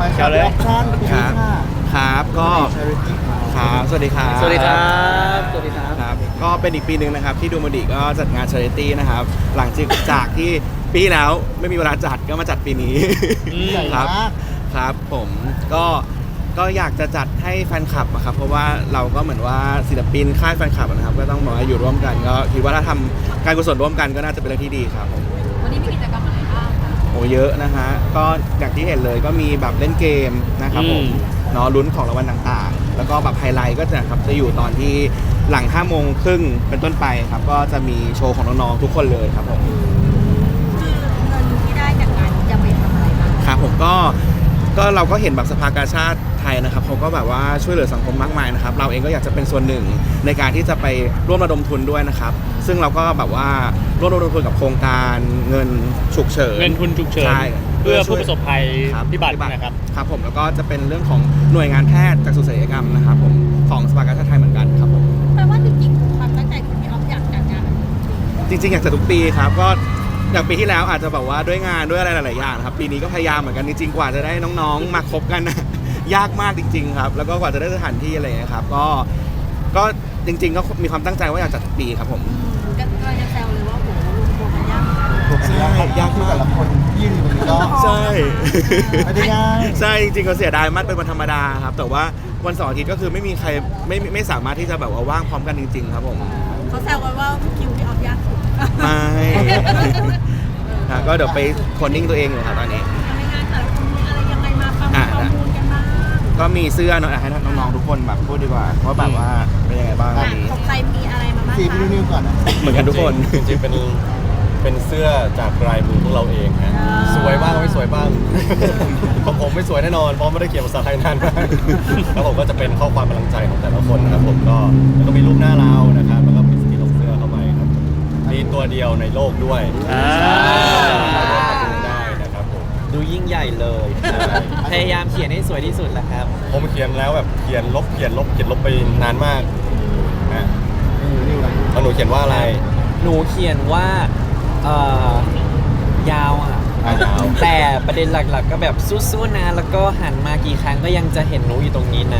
มาครับแอคชั่นคุณครับค่ะครับก็ charity ครับสวัสดีครับสวัสดีครับสวัสดีครับครับก็เป็นอีกปีหนึ่งนะครับที่ดูมดิก็จัดงาน Charity นะครับหลังจากที่ปีที่แล้วไม่มีเวลาจัดก็มาจัดปีนี้ใหญ่ครับมากครับผมก็อยากจะจัดให้แฟนคลับอะครับเพราะว่าเราก็เหมือนว่าศิลปินค่ายแฟนคลับนะครับก็ต้องบอกว่าอยู่ร่วมกันก็คิดว่าถ้าทำการกุศลร่วมกันก็น่าจะเป็นเรื่องที่ดีครับผมวันนี้มีกิจกรรมอะไรบ้างคะโอ้เยอะนะฮะก็อย่างที่เห็นเลยก็มีแบบเล่นเกมนะครับผมเนาะลุ้นของรางวัลต่างๆ แล้วก็แบบไฮไลท์ก็จะอยู่ตอนที่หลัง5 โมงครึ่งเป็นต้นไปครับก็จะมีโชว์ของน้องๆทุกคนเลยครับผมคือเงินที่ได้จากงานจะไปทำอะไรบ้างครับผมก็เราก็เห็นแบบสภากาชาติไทยนะครับเขาก็แบบว่าช่วยเหลือสังคมมากมายนะครับเราเองก็อยากจะเป็นส่วนหนึ่งในการที่จะไปร่วมระดมทุนด้วยนะครับซึ่งเราก็แบบว่าร่วมระดมทุนกับโครงการเงินฉุกเฉินเงินทุนฉุกเฉินใช่เพื่อผู้ประสบภัยครับพิบัตินะครับครับผมแล้วก็จะเป็นเรื่องของหน่วยงานแพทย์จากสุศัลยกรรมนะครับผมของสภากาชาติไทยเหมือนกันครับผมแปลว่าจริงๆความตั้งใจของพี่ออฟอยากจัดงานแบบนี้จริงๆอยากจะทุกปีครับก็อย่างปีที่แล้วอาจจะแบบว่าด้วยงานด้วยอะไรหลายๆอย่างนะครับปีนี้ก็พยายามเหมือนกันจริงๆกว่าจะได้น้องๆมาครบกันนะ ยากมากจริง ๆ ครับ แล้วก็กว่าจะได้สถานที่อะไรอย่างเงี้ยครับก็จริง ๆ ก็มีความตั้งใจว่าอยากจัดทุกปีครับผมก็จะแซวเลยว่าโหรวมตัวกันยากมากถูกเป็นยากครับยากมากแต่ละคนที่อยู่ตรงนี้ก็ใช่ไม่ได้ง่ายใช่จริงๆก็เสียดายมากเป็นวันธรรมดาครับแต่ว่าวันเสาร์อาทิตย์ก็คือไม่มีใครไม่สามารถที่จะแบบว่าว่างพร้อมกันจริง ๆ ครับผมเขาแซวกันว่าคิวพี่ออฟยากสุดไม่ ครับก็เดี๋ยวไปโคนนิ่งตัวเองอยู่ครับตอนนี้ในงานแต่ละคนมีอะไรยังไงมาประมูลกันบ้างก็มีเสื้อเนอะให้น้องๆทุกคนแบบพูดดีกว่าว่าแบบว่าเป็นยังไงบ้างวันนี้ของใครมีอะไรมาบ้างสีคะพี่นิวก่อนนะเหมือนกันทุกคนจริงๆเป็นเสื้อจากลายมือพวกเราเองฮะสวยบ้างไม่สวยบ้าง ของผมไม่สวยแน่นอนเพราะไม่ได้เขียนภาษาไทยนานมากแล้วผมก็จะเป็นข้อความกำลังใจของแต่ละคนนะครับผมก็แล้วก็มีรูปหน้าเรานะครับแล้วก็มีสกรีนของเสื้อเข้าไปครับมีตัวเดียวในโลกด้วยดูได้นะครับผมดูยิ่งใหญ่เลย พยายามเขียนให้สวยที่สุดแหละครับผมเขียนแล้วแบบเขียนลบไปนานมากนะนิวอะไรแล้วหนูเขียนว่าอะไรหนูเขียนว่ายาวอ่ะยาวแต่ประเด็นหลักๆ ก็แบบสู้ๆนะ แล้วก็หันมากี่ครั้งก็ยังจะเห็นหนูอยู่ตรงนี้นะ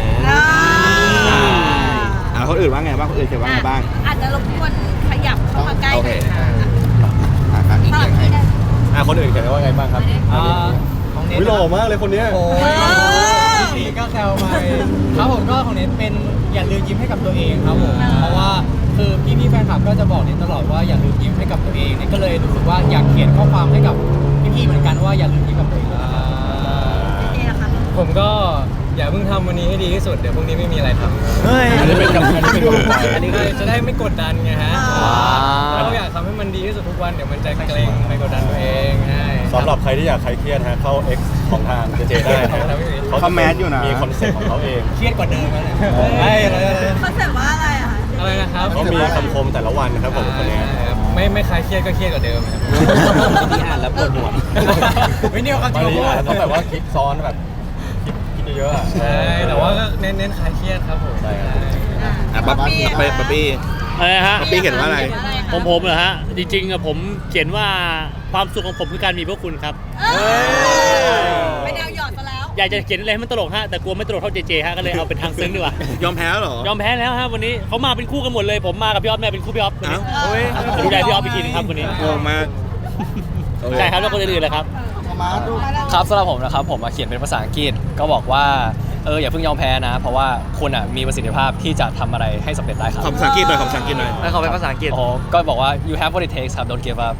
คนอื่นว่าไงบ้างคนอื่นเขียนว่าไงบ้างอาจจะรบกวนขยับเข้ามาใกล้หน่อยค่ะครับสลับที่ได้คนอื่นเขียนว่าไงบ้างครับของเน็ตวิโลมากเลยคนเนี้ยโอ้ยนี่ก็แซวไปครับผมก็ของเน็ตเป็นอย่าลืมยิ้มให้กับตัวเองครับผมเพราะว่าคือพี่ๆแฟนคลับก็จะบอกเน็ตตลอดว่าอย่าลืมยิ้มให้กับตัวเองเน็ตก็เลยรู้สึกว่าอยากเขียนข้อความให้กับพี่ๆเหมือนกันว่าอย่าลืมยิ้มกับตัวเองเจ๊อะค่ะผมก็อย่าเพิ่งทำวันนี้ให้ดีที่สุดเดี๋ยวพรุ่งนี้ไม่มีอะไรทำเฮ้ยอันนี้เป็นกำลังใจอันนี้ก็จะได้ไม่กดดันไงฮะเราอยากทำให้มันดีที่สุดทุกวันเดี๋ยวมันจะเกรงไม่กดดันตัวเองใช่สำหรับใครที่อยากคลายเครียดฮะเข้า X ของทางเจเจได้นะเขาแมสอยู่นะมีคอนเซ็ปต์ของเขาเองเครียดกว่าเดิมแล้วเนี่ยเฮ้ยอะไรคอนเซ็ปต์ว่าอะไรอะคะอะไรนะครับเขามีคำคมแต่ละวันนะครับผมคนนี้ไม่คลายเครียดก็เครียดกว่าเดิมครับที่อ่านแล้วปวดหัวไม่เนี่ยเขาจบาริงงทีๆอาจจะต้องแบบว่าคิดซ้อนแบบคิดเยอะๆอะใช่แต่ว่าก็เน้นคลายเครียดครับผมใช่ครับบ๊อบบี้อะไรฮะบ๊อบบี้เขียนว่าอะไรผมเหรอฮะ จริงๆอะผมเขียนว่าความสุขของผมคือการมีพวกคุณครับไม่แนวหยอดซะแล้วอยากจะเขียนอะไรให้มันตลกฮะแต่กลัวไม่ตลกเท่าเจเจฮะก็เลยเอาเป็นทางซึ้งดีกว่ายอมแพ้แล้วเหรอยอมแพ้แล้วฮะวันนี้เขามาเป็นคู่กันหมดเลย ผมมากับพี่ออฟแม่เป็นคู่พี่ออฟวันนี้เอ้าดูแลพี่ออฟอีกทีนึงครับวันนี้งงมากใช่ครับแล้วคนอื่นๆเลยครับมาดูครับสำหรับผมนะครับผมมาเขียนเป็นภาษาอังกฤษก็บอกว่าอย่าเพิ่งยอมแพ้นะ เพราะว่าคุณมีประสิทธิภาพที่จะทำอะไรให้สำเร็จได้ครับขอภาษาอังกฤษหน่อยขอภาษาอังกฤษหน่อยแล้วเขาเป็นภาษาอังกฤษโอ้โหก็บอกว่า you have what it takes ครับ don't give up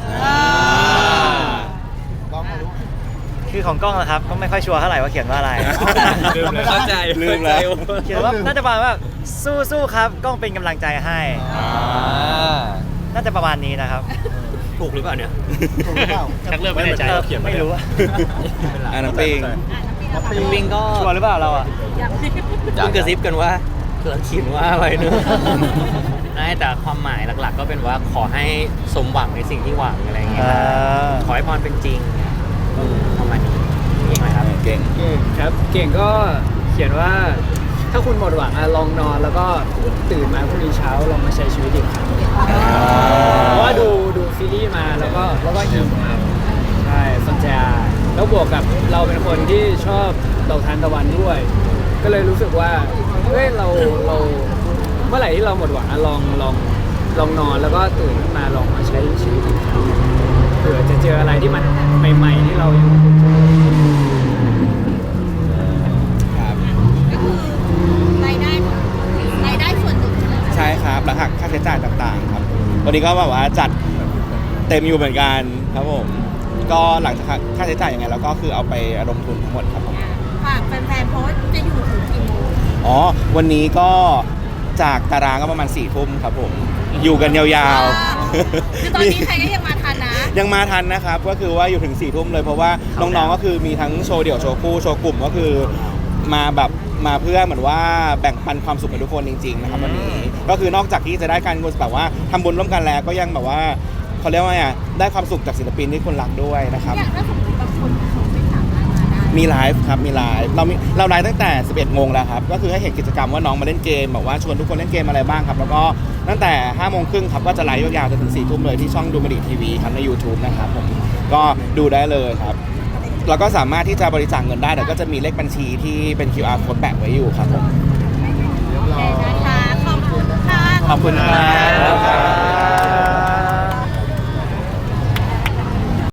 กล้องมาดูคือของกล้องนะครับก็ไม่ค่อยชัวร์เท่าไหร่ว่าเขียนว่าอะไรเข้าใจลืมแล้วเขียนว่าน่าจะประมาณว่าสู้ๆครับกล้องเป็นกำลังใจให้น่าจะประมาณนี้นะครับถูกหรือเปล่าเนี่ยถูกหรือเปล่าชักเริ่มไม่แน่ใจเขียนมาไม่รู้อะน้ำปิงปิงก็ชัวร์หรือเปล่าเราอ่ะเพิ่งกระซิบกันว่าเราเขียนว่าอะไรเนอะแต่ความหมายหลักๆ ก็เป็นว่าขอให้สมหวังในสิ่งที่หวังอะไรอย่างเงี้ยขอให้พรเป็นจริงประมาณนี้เองไหมครับเก่งครับเก่งก็เขียนว่าถ้าคุณหมดหวังลองนอนแล้วก็ตื่นมาพรุ่งนี้เช้าลองมาใช้ชีวิตอีกครั้งเพราะว่าดูซีรีส์มาแล้วก็อิ่มครับใช่สนใจแล้วบวกกับเราเป็นคนที่ชอบดอกทานตะวันด้วย ก็เลยรู้สึกว่าเฮ้ยเราเมื่อไหร่ที่เราหมดหวังลองนอนแล้วก็ตื่นขึ้นมาลองมาใช้ชีวิตอีกครั้งเผื่อจะเจออะไรที่มันใหม่ๆที่เรายังครับก็คือรายได้ส่วนหนึ่งใช่ไหมคะใช่ครับแล้วหักค่าใช้จ่ายต่างๆครับวันนี้ก็แบบว่าจัดเต็มอยู่เหมือนกันครับผมก็หลังจากค่าใช้จ่ายยังไงแล้วก็คือเอาไประดมทุนทั้งหมดครับผมฝากแฟนๆเพราะว่าจะอยู่ถึงกี่โมงอ๋อวันนี้ก็จากตารางก็ประมาณ4 ทุ่มครับผมอยู่กันยาวๆคือตอนนี้ใครก็ยังมาทันนะยังมาทันนะครับก็คือว่าอยู่ถึง4 ทุ่มเลยเพราะว่าน้องๆก็คือมีทั้งโชว์เดี่ยวโชว์คู่โชว์กลุ่มก็คือมาแบบมาเพื่อเหมือนว่าแบ่งปันความสุขกับทุกคนจริงๆนะครับวันนี้ก็คือนอกจากที่จะได้การกุศลแบบว่าทำบุญร่วมกันแล้วก็ยังแบบว่าเขาเรียกว่าไงได้ความสุขจากศิลปินที่คนรักด้วยนะครับอย่างถ้าสมมติบางคนเขาไม่สามารถมาได้มีไลฟ์ครับมีไลฟ์เราไลฟ์ตั้งแต่ 11 โมงแล้วครับก็คือให้เห็นกิจกรรมว่าน้องมาเล่นเกมแบบว่าชวนทุกคนเล่นเกมอะไรบ้างครับแล้วก็ตั้งแต่ 5 โมงครึ่งครับก็จะไลฟ์ยาวๆจนถึง 4 ทุ่มเลยที่ช่องดูมันดีทีวีครับใน YouTube นะครับผมก็ดูได้เลยครับแล้วก็สามารถที่จะบริจาคเงินได้แต่ก็จะมีเลขบัญชีที่เป็น QR code แปะไว้อยู่ครับผมโอเคนะคะขอบคุณค่ะขอบคุณครับ